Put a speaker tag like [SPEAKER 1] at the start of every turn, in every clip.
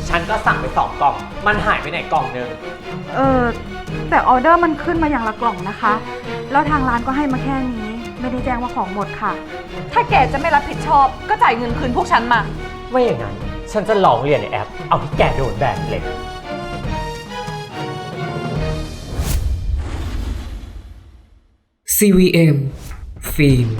[SPEAKER 1] ฉันก็สั่งไป2 กล่อง มันหายไปไหนกล่องนึง
[SPEAKER 2] แต่ออเดอร์มันขึ้นมาอย่างละกล่องนะคะ แล้วทางร้านก็ให้มาแค่นี้ ไม่ได้แจ้งว่าของหมดค่ะ
[SPEAKER 3] ถ้าแกจะไม่รับผิดชอบก็จ่ายเงินคืนพวกฉันมา
[SPEAKER 1] ไม่อย่างนั้น ฉันจะลองเรียนในแอป เอาที่แกโดนแบนเลย
[SPEAKER 4] CVM ฟิล์ม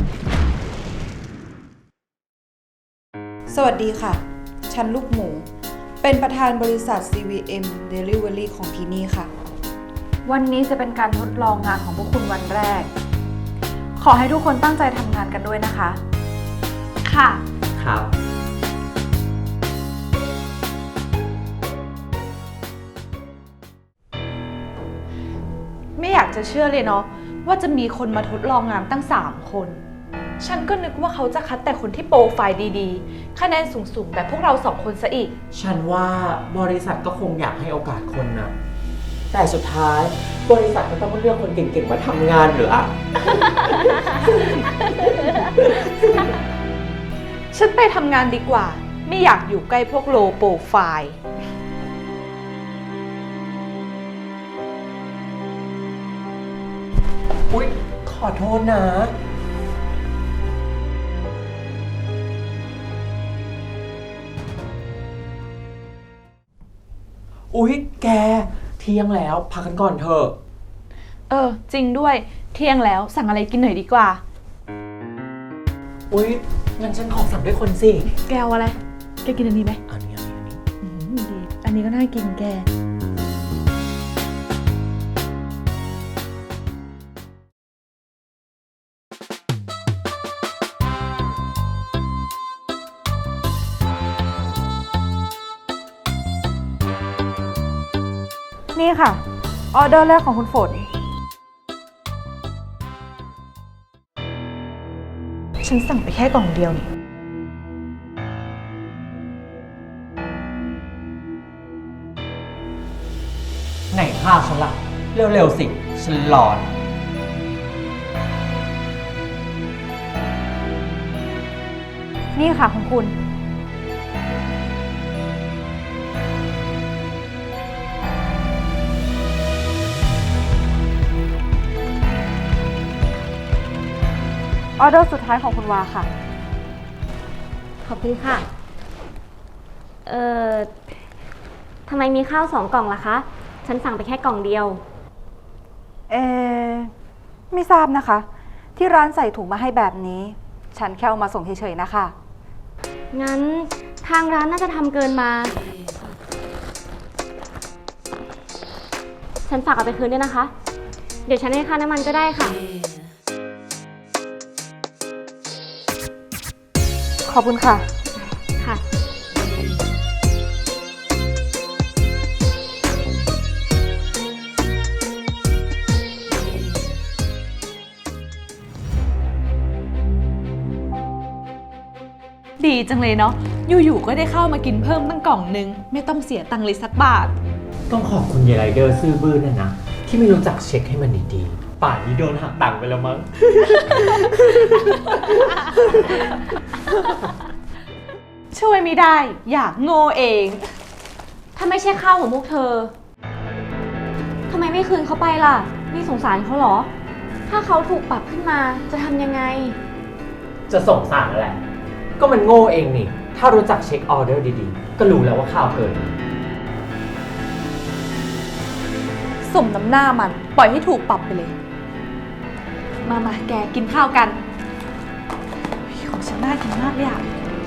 [SPEAKER 5] สวัสดีค่ะ ฉันลูกหมู เป็นประธานบริษัท CVM Delivery ของที่นี่ค่ะ
[SPEAKER 2] วันนี้จะเป็นการทดลองงานของพวกคุณวันแรก ขอให้ทุกคนตั้งใจทำงานกันด้วยนะคะ
[SPEAKER 3] ค่ะ
[SPEAKER 1] ครับ
[SPEAKER 3] ไม่อยากจะเชื่อเลยเนาะว่าจะมีคนมาทดลองงานตั้ง3 คน ฉันก็นึกว่าเขาจะคัดแต่คนที่โปรไฟล์ดีๆ คะแนนสูงๆแบบพวกเรา2 คนซะอีก
[SPEAKER 1] ฉันว่าบริษัทก็คงอยากให้โอกาสคนนะ แต่สุดท้ายบริษัทก็ต้องเลือกคนเก่งๆมาทำงานหรืออะ
[SPEAKER 3] ฉันไปทำงานดีกว่า ไม่อยากอยู่ใกล้พวกโลโปรไฟล์
[SPEAKER 1] อุ๊ย ขอโทษนะ อุ๊ย แก เที่ยงแล้วพักกันก่อนเถอะ
[SPEAKER 3] จริงด้วยเที่ยงแล้วสั่งอะไรกินหน่อยดีกว่า
[SPEAKER 1] อุ๊ย งั้นฉันขอสั่งด้วยคนสิ
[SPEAKER 3] แกเอาอะไร แกกินอันนี้ไหม
[SPEAKER 1] อันนี้
[SPEAKER 3] ดีอันนี้ก็น่ากินแก
[SPEAKER 2] นี่ค่ะ ออเดอร์แรกของคุณฝน
[SPEAKER 3] ฉันสั่งไปแค่กล่องเดียวนี่
[SPEAKER 1] ไหนข้าวฉันล่ะ เร็วๆสิ ฉันร้อน
[SPEAKER 2] นี่ค่ะของคุณ ออเดอร์สุดท้ายของคุณวาค่ะ
[SPEAKER 6] ขอบคุณค่ะ ทำไมมีข้าว2 กล่องล่ะคะ ฉันสั่งไปแค่กล่องเดียว
[SPEAKER 2] ไม่ทราบนะคะ ที่ร้านใส่ถุงมาให้แบบนี้ ฉันแค่เอามาส่งเฉยๆนะคะ
[SPEAKER 6] งั้นทางร้านน่าจะทำเกินมา ฉันฝากเอาไปคืนด้วยนะคะ เดี๋ยวฉันให้ค่าน้ำมันก็ได้ค่ะ
[SPEAKER 2] ขอบคุณค่ะ
[SPEAKER 6] ค่ะ
[SPEAKER 3] ดีจังเลยเนาะ อยู่ๆ ก็ได้เข้ามากินเพิ่มตั้งกล่องนึง ไม่ต้องเสียตังค์เลยสักบาท
[SPEAKER 1] ต้องขอบคุณยายไรเดอร์ซื่อบื้อนั่นนะ ที่ไม่รู้จักเช็คให้มันดีๆ ป่านนี้โดนหักตังค์ไปแล้วมั้ง
[SPEAKER 3] ช่วยไม่ได้ อยากโง่เอง
[SPEAKER 6] ถ้าไม่ใช่ข้าวของพวกเธอ ทำไมไม่คืนเขาไปล่ะ นี่สงสารเขาเหรอ ถ้าเขาถูกปรับขึ้นมาจะทำยังไง
[SPEAKER 1] จะสงสารแหละ ก็มันโง่เองนี่ ถ้ารู้จักเช็คออเดอร์ดีๆ ก็รู้แล้วว่าข้าวเกิน
[SPEAKER 3] สมน้ำหน้ามัน ปล่อยให้ถูกปรับไปเลย มาแกกินข้าวกันเฮ้ยของฉันน่ากินมากเลยอะ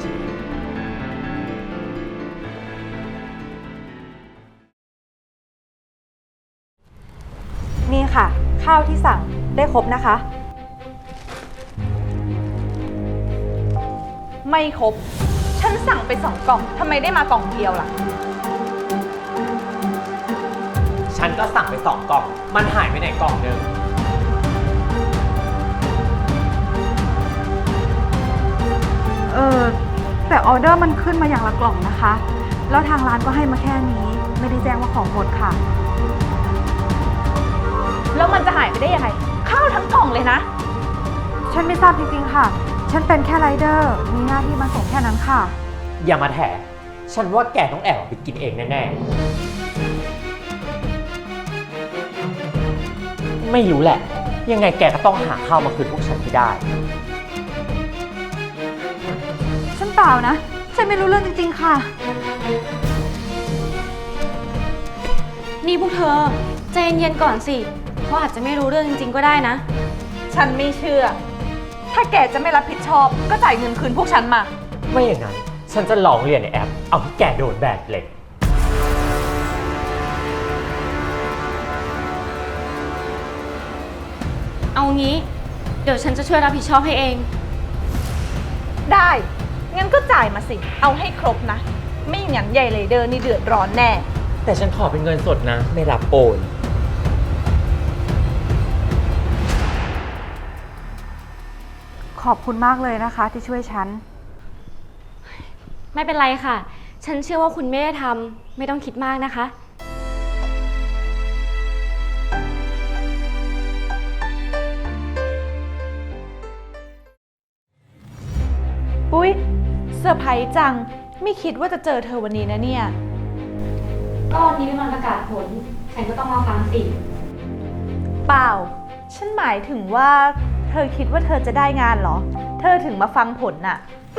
[SPEAKER 2] นี่ค่ะ ข้าวที่สั่งได้ครบนะคะ
[SPEAKER 3] ไม่ครบ ฉันสั่งไป2 กล่อง ทำไมได้มากล่องเดียวล่ะ
[SPEAKER 1] ฉันก็สั่งไป2 กล่อง มันหายไปไหนกล่องนึง
[SPEAKER 2] แต่ออเดอร์มันขึ้นมาอย่างละกล่องนะคะ แล้วทางร้านก็ให้มาแค่นี้ ไม่ได้แจ้งว่าของหมดค่ะ
[SPEAKER 3] แล้วมันจะหายไปได้ยังไง ข้าวทั้งกล่องเลยนะ
[SPEAKER 2] ฉันไม่ทราบจริงๆค่ะ ฉันเป็นแค่ไรเดอร์ มีหน้าที่มาส่งแค่นั้นค่ะ
[SPEAKER 1] อย่ามาแถฉันว่าแกต้องแอบเอาไปกินเองแน่ๆ ไม่รู้แหละ ยังไงแกก็ต้องหาข้าวมาคืนพวกฉันให้ได้
[SPEAKER 2] ฉันเปล่านะ ฉันไม่รู้เรื่องจริงๆค่ะ
[SPEAKER 6] นี่พวกเธอใจเย็นๆก่อนสิเขาอาจจะไม่รู้เรื่องจริงๆก็ได้นะ
[SPEAKER 3] ฉันไม่เชื่อ ถ้าแกจะไม่รับผิดชอบก็จ่ายเงินคืนพวกฉันมา
[SPEAKER 1] ไม่อย่างนั้น ฉันจะลองเรียนในแอป เอาให้แกโดนแบนเลย
[SPEAKER 6] เอางี้ เดี๋ยวฉันจะช่วยรับผิดชอบให้เอง
[SPEAKER 3] ได้ งั้นก็จ่ายมาสิ เอาให้ครบนะ ไม่อย่างนั้นใหญ่เลยเดอร์นี่เดือดร้อนแน่
[SPEAKER 1] แต่ฉันขอเป็นเงินสดนะ ไม่รับโอน
[SPEAKER 2] ขอบคุณมากเลยนะคะที่ช่วยฉัน
[SPEAKER 6] ไม่เป็นไรค่ะ ฉันเชื่อว่าคุณไม่ได้ทำไม่ต้องคิดมากนะคะ
[SPEAKER 3] อุ๊ยเซอร์ไพรส์จัง ไม่คิดว่าจะเจอเธอวันนี้นะเนี่ย
[SPEAKER 6] ก็วันนี้เป็นวันประกาศผล ฉันก็ต้องมาฟังสิ
[SPEAKER 3] เปล่า ฉันหมายถึงว่าเธอคิดว่าเธอจะได้งานเหรอ เธอถึงมาฟังผลน่ะ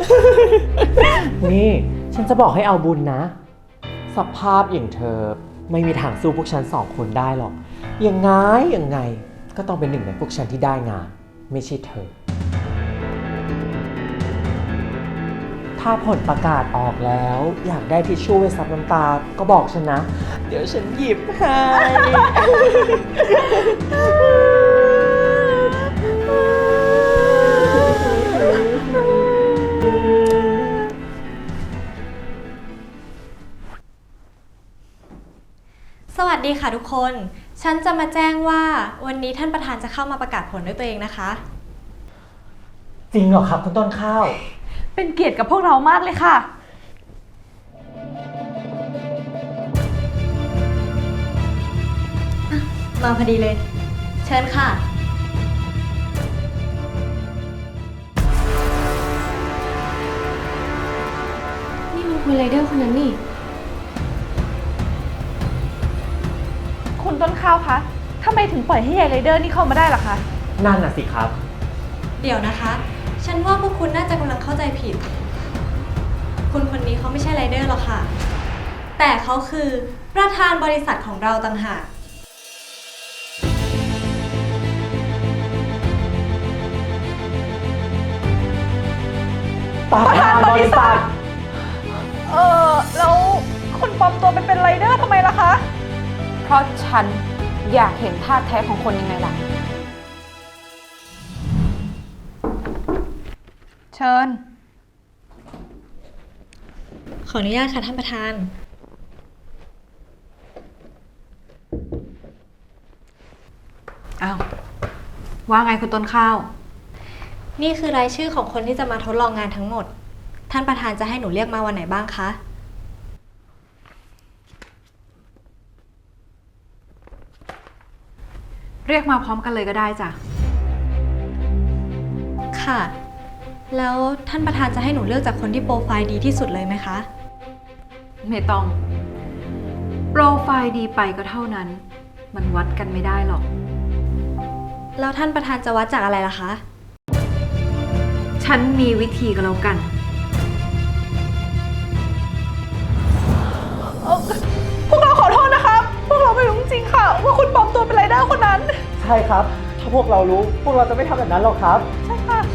[SPEAKER 1] นี่ ฉันจะบอกให้เอาบุญนะ สภาพอย่างเธอไม่มีทางสู้พวกฉันสองคนได้หรอก ยังไงก็ต้องเป็นหนึ่งในพวกฉันที่ได้งาน ไม่ใช่เธอ ถ้าผลประกาศออกแล้ว อยากได้ทิชชู่ไว้ซับน้ำตา ก็บอกฉันนะ เดี๋ยวฉันหยิบให้
[SPEAKER 7] สวัสดีค่ะทุกคน ฉันจะมาแจ้งว่าวันนี้ท่านประธานจะเข้ามาประกาศผลด้วยตัวเองนะคะ
[SPEAKER 1] จริงเหรอครับคุณต้นข้าว
[SPEAKER 3] เป็นเกียรติกับพวกเรามากเลยค่ะ
[SPEAKER 7] มาพอดีเลย เชิญค่ะ
[SPEAKER 6] นี่มันคุณไรเดอร์คนนั้นนี่
[SPEAKER 3] คุณต้นข้าวคะทำไมถึงปล่อยให้ยายไรเดอร์นี่เข้ามาได้ล่ะคะ
[SPEAKER 1] นั่นน่ะสิครับ
[SPEAKER 7] เดี๋ยวนะคะ ฉันว่าพวกคุณน่าจะกำลังเข้าใจผิด คุณคนนี้เขาไม่ใช่ไรเดอร์หรอกค่ะ แต่เขาคือประธานบริษัทของเราต่างหาก
[SPEAKER 1] ประธานบริษัท
[SPEAKER 3] แล้วคุณปลอมตัวไปเป็นไรเดอร์ทำไมล่ะคะ
[SPEAKER 5] เพราะฉันอยากเห็นท่าแท้ของคนยังไงล่ะ เชิญ
[SPEAKER 7] ขออนุญาตค่ะท่านประธาน
[SPEAKER 5] อ้าว ว่าไงคุณต้นข้าว
[SPEAKER 7] นี่คือรายชื่อของคนที่จะมาทดลองงานทั้งหมด ท่านประธานจะให้หนูเรียกมาวันไหนบ้างคะ
[SPEAKER 5] เรียกมาพร้อมกันเลยก็ได้จ้ะ
[SPEAKER 7] ค่ะ แล้วท่านประธานจะให้หนูเลือกจากคนที่โปรไฟล์ดีที่สุดเลยไหมคะ
[SPEAKER 5] ไม่ต้อง โปรไฟล์ดีไปก็เท่านั้น มันวัดกันไม่ได้หรอก
[SPEAKER 7] แล้วท่านประธานจะวัดจากอะไรล่ะคะ
[SPEAKER 5] ฉันมีวิธีก็แล้วกัน
[SPEAKER 3] พวกเราขอโทษนะคะพวกเราไม่รู้จริงๆค่ะ ว่าคุณปลอมตัวเป็นไรเดอร์คนนั้น
[SPEAKER 1] ใช่ครับ ถ้าพวกเรารู้ พวกเราจะไม่ทำแบบนั้นหรอกครับ
[SPEAKER 3] ใช่ค่ะ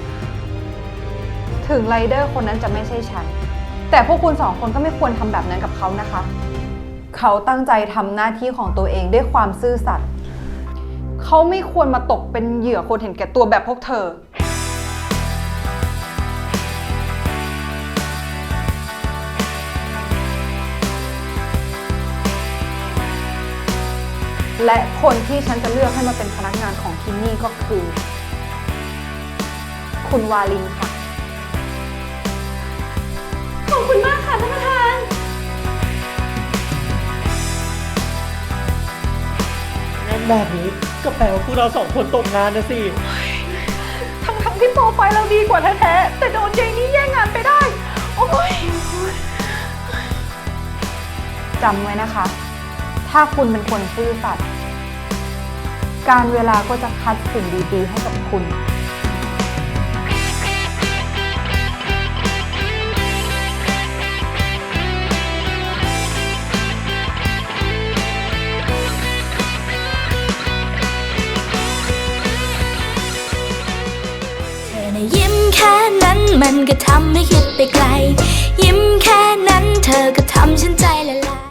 [SPEAKER 5] ถึงไรเดอร์คนนั้นจะไม่ใช่ฉัน แต่พวกคุณสองคนก็ไม่ควรทำแบบนั้นกับเขานะคะ เขาตั้งใจทำหน้าที่ของตัวเองด้วยความซื่อสัตย์ เขาไม่ควรมาตกเป็นเหยื่อคนเห็นแก่ตัวแบบพวกเธอ และคนที่ฉันจะเลือกให้มาเป็นพนักงานของที่นี่ก็คือ คุณวาลินค่ะ
[SPEAKER 6] ขอบคุณมากค่ะท่านประธาน
[SPEAKER 1] งั้นแบบนี้ก็แปลว่าพวกเราสองคนตกงานนะสิ
[SPEAKER 3] ทั้งที่โปรไฟล์เราดีกว่าแท้ๆแต่โดนยายนี่แย่งงานไปได้ โอ้ย
[SPEAKER 5] จำไว้นะคะ ถ้าคุณเป็นคนซื่อสัตย์การเวลาก็จะคัดสิ่งดีๆให้กับคุณ
[SPEAKER 8] เธอนะยิ้มแค่นั้นมันก็ทำให้คิดไปไกล ยิ้มแค่นั้นเธอก็ทำฉันใจละลาย